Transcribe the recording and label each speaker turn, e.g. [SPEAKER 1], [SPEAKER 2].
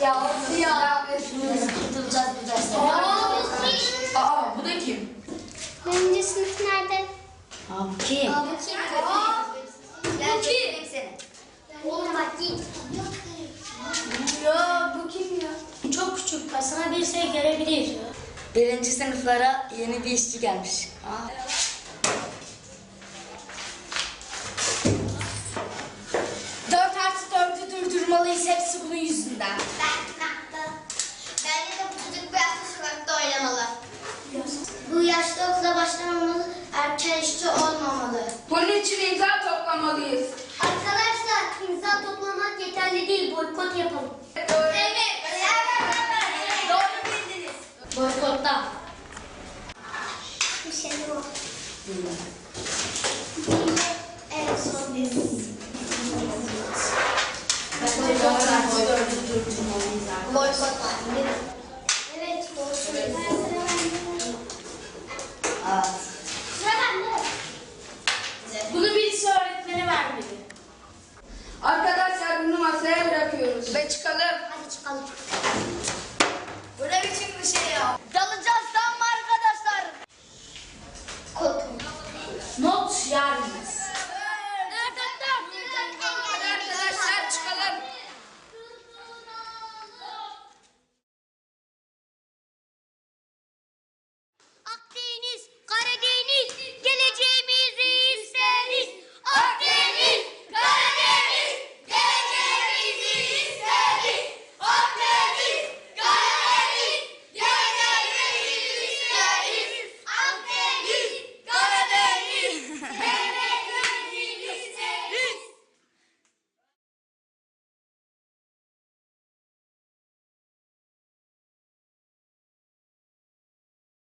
[SPEAKER 1] Ya. Kurtulacağız bu dersten.
[SPEAKER 2] Aa bu da kim?
[SPEAKER 3] Birinci sınıf nerede?
[SPEAKER 1] Bu kim?
[SPEAKER 3] Bu kim?
[SPEAKER 1] Bu kim?
[SPEAKER 3] Oğlum bak git.
[SPEAKER 1] Ya bu kim ya?
[SPEAKER 3] Çok küçük. Sana bir şey gelebilir.
[SPEAKER 1] Birinci sınıflara yeni bir işçi gelmiş.
[SPEAKER 2] 4+4'ü durdurmalıyız, hepsi bunun yüzünden.
[SPEAKER 3] Bence de bu çocuk biraz da sokakta oynamalı. Bu yaşta okula başlamamalı, erken işçi olmamalı.
[SPEAKER 2] Bunun için imza toplamalıyız.
[SPEAKER 3] Arkadaşlar imza toplamak yeterli değil, boykot yapalım.
[SPEAKER 2] Evet.
[SPEAKER 3] Doğru bildiniz.
[SPEAKER 1] Boykotta.
[SPEAKER 3] Bir şey yok.